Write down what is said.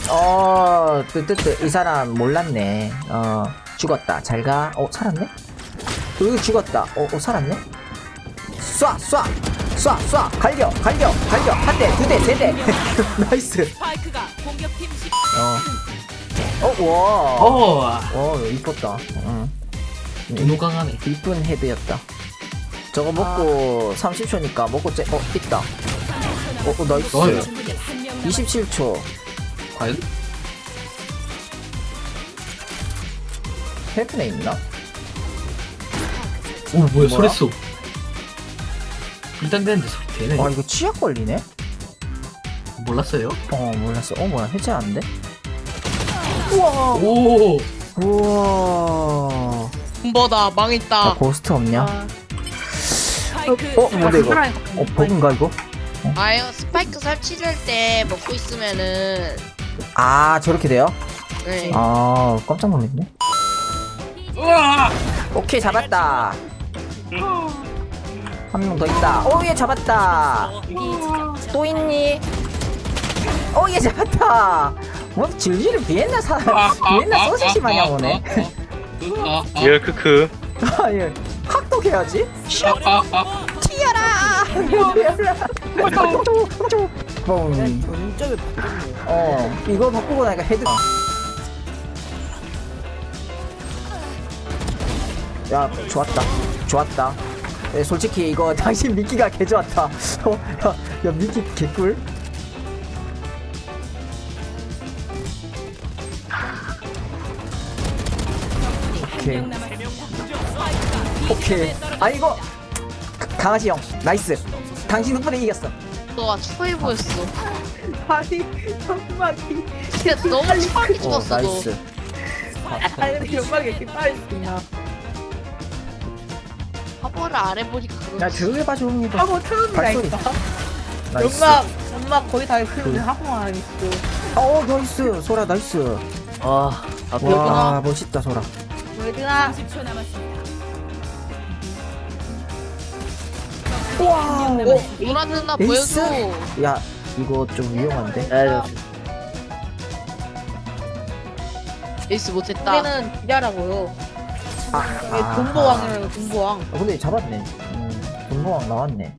뜨뜨뜨 이 사람 몰랐네. 죽었다. 잘가. 살았네? 여기 죽었다. 살았네? 쏴! 갈겨! 한 대, 두 대, 세 대! 나이스! 스파이크가 공격팀 시 와. 이뻤다. 너무 강하네. 이쁜 헤드였다. 저거 먹고 30초니까 먹고 있다. 나이스. 어이. 27초. 과연? 헤븐에 있나? 뭐야, 뭐야? 소리쏘. 일단 되는데 소리 되네. 이거 치약 걸리네? 몰랐어요? 몰랐어. 뭐야, 해제하는데? 오! 우와. 뭐다 망했다. 고스트 없냐? 스파이크 뭔데 이거? 버그인가 이거? 아유 스파이크 설치될 때 먹고 있으면은 저렇게 돼요? 네. 깜짝 놀랐네. 오케이, 잡았다. 한 명 더 있다. 얘 잡았다. 또 있니? 얘 잡았다. 뭐 질질을 비엔나 소시지 마냥 오네. 예, 크크. 얘 학독해야지. 튀어라. 뻥. 이거 바꾸고 나니까 헤드. 야, 좋았다. 솔직히 이거 당신 미끼가 개 좋았다. 야, 미끼 개꿀. 오케이. 이거 강아지 형 나이스. 당신 덕분에 이겼어. 너가 추해 보였어. 아니 연막이 진짜 너무 추하게 죽었어. 너. 나이스. 근데 연막이 이렇게 빨리 있나 화보를 안 해보니까 야, 그렇지. 조용히 해봐, 조용히 해봐. 하고 발소리. 처음이라니까 나이스. 연막 거의 다 크는데 하고만 있고 나이스. 소라 나이스. 앞에 와, 멋있다, 소라. 얘들아 30초 남았습니다. 와. 누나 누나 에이스? 보여줘. 야, 이거 좀 위험한데? 에이스 못했다. 우리는 기자라고요 아, 이게 돈보왕이라고 돈보왕 근데 잡았네. 돈보왕 나왔네.